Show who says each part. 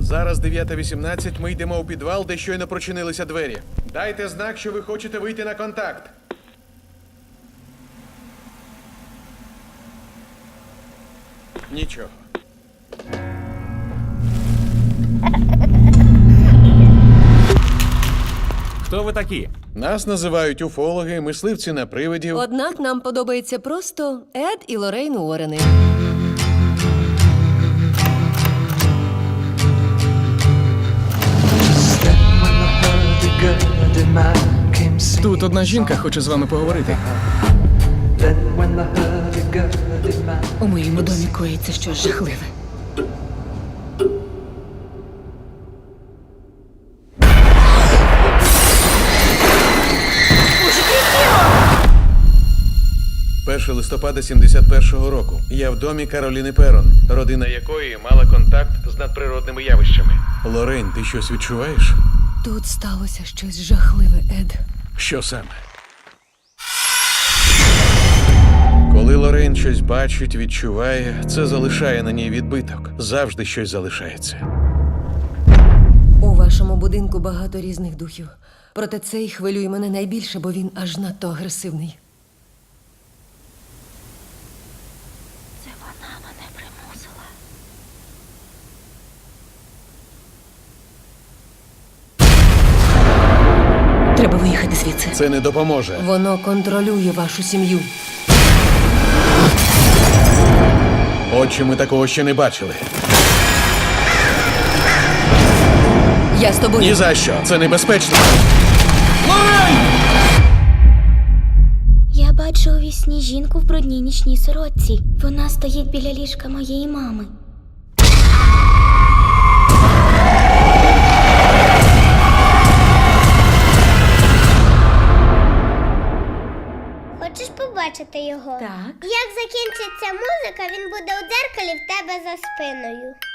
Speaker 1: Зараз 9:18, ми йдемо у підвал, де щойно прочинилися двері. Дайте знак, що ви хочете вийти на контакт. Нічого.
Speaker 2: Хто ви такі?
Speaker 1: Нас називають уфологи, мисливці на привидів.
Speaker 3: Однак нам подобається просто Ед і Лоррейн Уоррени.
Speaker 4: Тут одна жінка хоче з вами поговорити.
Speaker 5: У моєму домі коїться щось жахливе.
Speaker 1: Перше листопада 71-го року. Я в домі Кароліни Перон, родина якої мала контакт з надприродними явищами. Лоррейн, ти щось відчуваєш?
Speaker 3: Тут сталося щось жахливе, Ед.
Speaker 1: Що саме? Коли Лоррейн щось бачить, відчуває, це залишає на ній відбиток. Завжди щось залишається.
Speaker 3: У вашому будинку багато різних духів. Проте цей хвилює мене найбільше, бо він аж надто агресивний.
Speaker 6: Це вона мене примусила.
Speaker 5: Треба виїхати звідси.
Speaker 1: Це не допоможе.
Speaker 3: Воно контролює вашу сім'ю.
Speaker 1: Отче, ми такого ще не бачили.
Speaker 3: Я з тобою.
Speaker 1: Ні за що. Це небезпечно.
Speaker 6: Я бачу у вісні жінку в брудній нічній сорочці. Вона стоїть біля ліжка моєї мами.
Speaker 7: Хочеш побачити його?
Speaker 5: Так.
Speaker 7: Як закінчиться музика, він буде у дзеркалі в тебе за спиною.